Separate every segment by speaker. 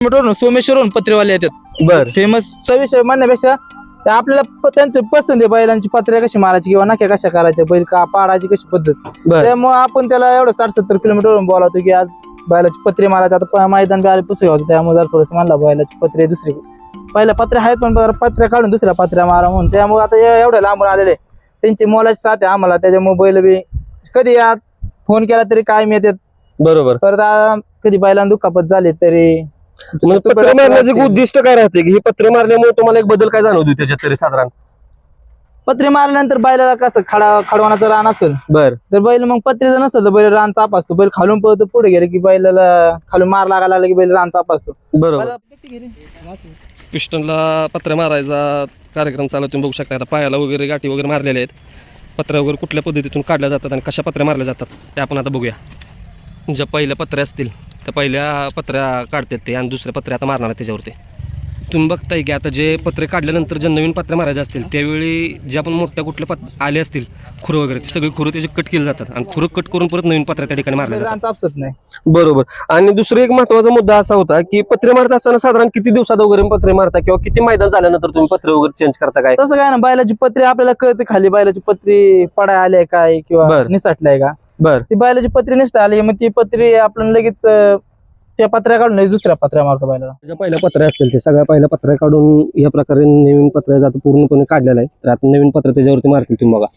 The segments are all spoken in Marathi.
Speaker 1: किलोमीटरवरून सोमेश्वरहून पत्रेवाले येतात.
Speaker 2: बर
Speaker 1: फेमसचा विषय म्हणण्यापेक्षा ते आपल्याला त्यांचे पसंत आहे बैलांची पत्र्या कशी मारायची किंवा नाक्या कशा करायच्या बैल का पाडायची कशी पद्धत.
Speaker 2: बर
Speaker 1: त्यामुळे आपण त्याला एवढं 60-70 किलोमीटरवरून बोलावतो की आज बैलाची पत्रे मारायचे. आता मैदान बी आले पुस्तक घ्यायचं त्यामुळे जर थोडंसं म्हणला बैलाची पत्रे दुसरी पहिल्या पत्र्या आहेत पण पत्र्या काढून दुसऱ्या पत्र्या मारा म्हणून. त्यामुळे आता एवढ्या लांबून आलेले त्यांची मोलाची साथ आहे आम्हाला. त्याच्यामुळे बैल बी कधी आज फोन केला तरी कायम येतात.
Speaker 2: बरोबर.
Speaker 1: परत कधी बैलांना दुखापत झाली तरी
Speaker 2: पत्रे मारण्याचे उद्दिष्ट काय राहते की हे पत्रे मारल्यामुळे तुम्हाला एक बदल काय जाणवतो त्याच्यात तरी साधारण?
Speaker 1: पत्रे मारल्यानंतर बैलाला कसं खडवानाचं रान असेल
Speaker 2: बर
Speaker 1: तर बैल मग पत्रेचं नसेल तर बैल रान चाप असतो. बैल खालून पळतो पुढे गेले की बैलाला खालून मार लागायला लागला की बैल रान चाप असतो.
Speaker 2: बरोबर. पिस्टनला पत्रे मारायचा कार्यक्रम चालू तुम्ही बघू शकता. आता पायाला वगैरे गाठी वगैरे मारलेल्या आहेत. पत्र्या वगैरे कुठल्या पद्धतीतून काढल्या जातात आणि कशा पत्र्या मारल्या जातात ते आपण आता बघूया. ज्या पहिल्या पत्र्या असतील त्या पहिल्या पत्र्या काढतात ते आणि दुसऱ्या पत्र्या आता मारणार त्याच्यावरती. तुम्ही बघताय की आता जे पत्रे काढल्यानंतर जे नवीन पत्रे मारायचे असतील त्यावेळी जे आपण मोठ्या कुठल्या आले असतील खुरं वगैरे ते सगळे खुरं त्याचे कट केले जातात आणि खुरं कट करून परत नवीन पत्र्या त्या ठिकाणी मारल्या
Speaker 1: रान
Speaker 2: जातात.
Speaker 1: चापसत नाही.
Speaker 2: बरोबर. आणि दुसरा एक महत्वाचा मुद्दा असा होता की पत्रे मारत असताना साधारण किती दिवसात वगैरे पत्रे मारता किंवा किती मैदान झाल्यानंतर तुम्ही पत्रे वगैरे चेंज करता काय?
Speaker 1: तसं काय ना बैलाची पत्री आपल्याला कळते खाली बैलाची पत्री पडाय आली काय किंवा निसटलाय का.
Speaker 2: बर
Speaker 1: ती बैलाची पत्री निसटा आली मग ती पत्री आपण लगेच त्या पत्र्या काढून लगेच दुसऱ्या पत्र्या मारतो बैलाला.
Speaker 2: ज्या पहिल्या पत्र्या असतील ते सगळ्या पहिल्या पत्र्या काढून या प्रकारे नवीन पत्र्या जात पूर्णपणे काढलेला आहे. तर आता नवीन पत्र्या त्याच्यावरती मारतील तुम्ही बघा.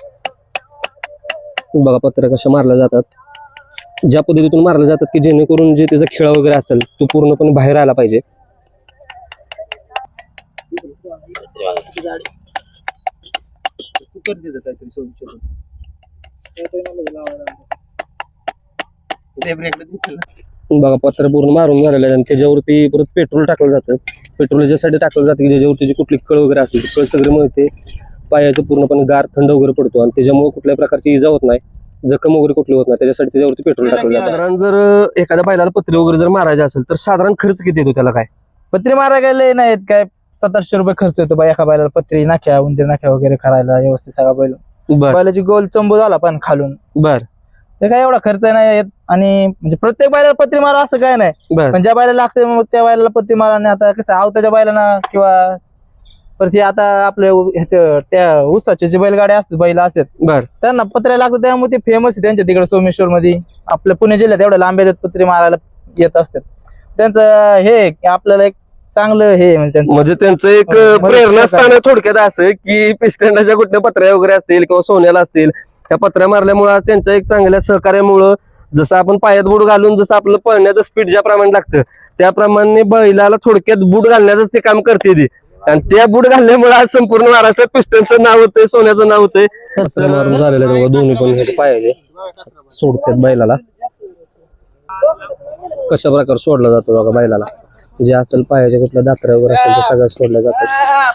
Speaker 2: बघा पत्र्या कशा मारल्या जातात, ज्या पद्धतीतून मारल्या जातात की जेणेकरून जे त्याचा खेळा वगैरे असेल तो पूर्णपणे बाहेर आला पाहिजे. बघा पत्र पूर्ण मारून झालेलं आहे आणि त्याच्यावरती परत पेट्रोल टाकलं जातं. पेट्रोल याच्यासाठी टाकलं जातं की ज्याच्यावरती जी कुठली कळ वगैरे असेल कळ सगळे मिळते पायाचं पूर्णपणे गार थंड वगैरे पडतो आणि त्याच्यामुळे कुठल्याही प्रकारची इजा होत नाही, जखम वगैरे कुठली होत नाही. त्याच्यासाठी त्याच्यावरती पेट्रोल टाकलं जातं. साधारण जर एखाद्या बैलाला पत्रे वगैरे जर मारायचे असेल तर साधारण खर्च किती येतो त्याला? काय
Speaker 1: पत्री मारायला गेले नाहीत काय 700-800 रुपये खर्च येतो एका बैलाला पत्री नाख्या उंदीर नाख्या वगैरे करायला व्यवस्थित सगळा बैल. बैलाची गोल चंबू झाला पण खालून
Speaker 2: बर
Speaker 1: ते काय एवढा खर्च नाही येत. आणि म्हणजे प्रत्येक बैलाला पत्री मारा असं काय नाही पण ज्या बैलाला लागते मग त्या बैलाला पत्री मारा. आणि आता कसं आवताच्या बैलांना किंवा परत आता आपल्या ह्याच्या त्या ऊसाचे जे बैलगाड्या असतात बैल असतात
Speaker 2: बर
Speaker 1: त्यांना पत्र्या लागतात त्यामुळे ते फेमस आहे त्यांच्या तिकडे सोमेश्वर मध्ये. आपल्या पुणे जिल्ह्यात एवढ्या लांब येतात पत्री मारायला येत असतात. त्यांचं हे आपल्याला एक चांगलं हे
Speaker 2: म्हणजे त्यांचं एक प्रेरणास्थान थोडक्यात असं की पिस्टनच्या कुठल्या पत्र्या वगैरे असतील किंवा सोन्याला असतील त्या पत्र्या मारल्यामुळे आज त्यांच्या एक चांगल्या सहकार्यामुळं जसं आपण पायात बूट घालून जसं आपलं पळण्याचं स्पीड ज्याप्रमाणे लागतं त्याप्रमाणे बैलाला थोडक्यात बूट घालण्याचं ते काम करते ती. आणि त्या बूट घालल्यामुळे आज संपूर्ण महाराष्ट्रात पिस्टनचं नाव होतंय, सोन्याचं नाव होतंय. मारून झालेलं आहे दोन्ही पण पायाचे सोडतात बैलाला. कशा प्रकारे सोडला जातो बघा बैलाला, जे असेल पायाच्या कुठल्या दात्र्या वगैरे असेल ते सगळ्या सोडल्या जातात.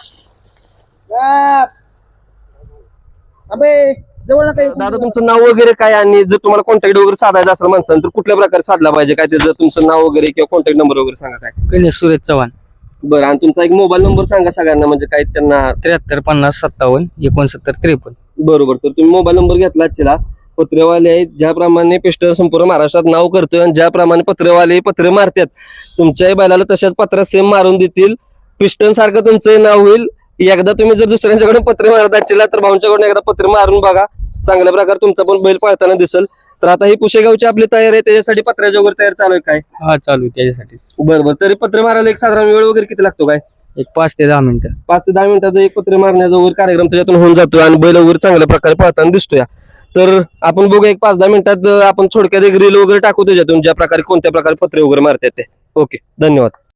Speaker 2: दादा तुमचं नाव वगैरे काय आणि जर तुम्हाला कॉन्टॅक्ट वगैरे साधायचा असेल माणसानं तर कुठल्या प्रकारे साधला पाहिजे काय त्याचं तुमचं नाव वगैरे किंवा कॉन्टॅक्ट नंबर वगैरे सांगा काय?
Speaker 1: गणेश सुरेश चव्हाण.
Speaker 2: बरं. आणि तुमचा एक मोबाईल नंबर सांगा सगळ्यांना म्हणजे काय त्यांना?
Speaker 1: 7350576953.
Speaker 2: बरोबर. तर तुम्ही मोबाईल नंबर घेतला आजच्या पत्रेवाले आहेत ज्याप्रमाणे पिस्टन संपूर्ण महाराष्ट्रात नाव करतोय आणि ज्याप्रमाणे पत्रेवाले पत्रे मारतात तुमच्याही बैलाला तशाच पत्र्या सेम मारून देतील. पिस्टन सारखं तुमचं नाव होईल. एकदा तुम्ही जर दुसऱ्यांच्याकडून पत्रे मारत असेल तर भाऊंच्याकडून एकदा पत्रे मारून बघा, चांगल्या प्रकारे तुमचा पण बैल पळताना दिसेल. तर आता ही पुशेगावची आपली तयारी आहे त्याच्यासाठी पत्र्याच्या वगैरे तयार चालू आहे काय?
Speaker 1: हा चालू त्याच्यासाठी.
Speaker 2: बरोबर. तरी पत्रे मारायला एक साधारण वेळ वगैरे किती लागतो काय?
Speaker 1: एक 5 ते 10 मिनिटं.
Speaker 2: 5 ते 10 मिनिटाचा एक पत्रे मारण्याचा वगैरे कार्यक्रम त्याच्यातून होऊन जातोय आणि बैल वगैरे चांगल्या प्रकारे पळताना दिसतोय. तर आपण बघू एक 5-10 मिनिटात आपण थोडक्यात एक रील वगैरे टाकू त्याच्यातून ज्या प्रकारे कोणत्या प्रकारे पत्रे वगैरे मारतात ते. ओके, धन्यवाद.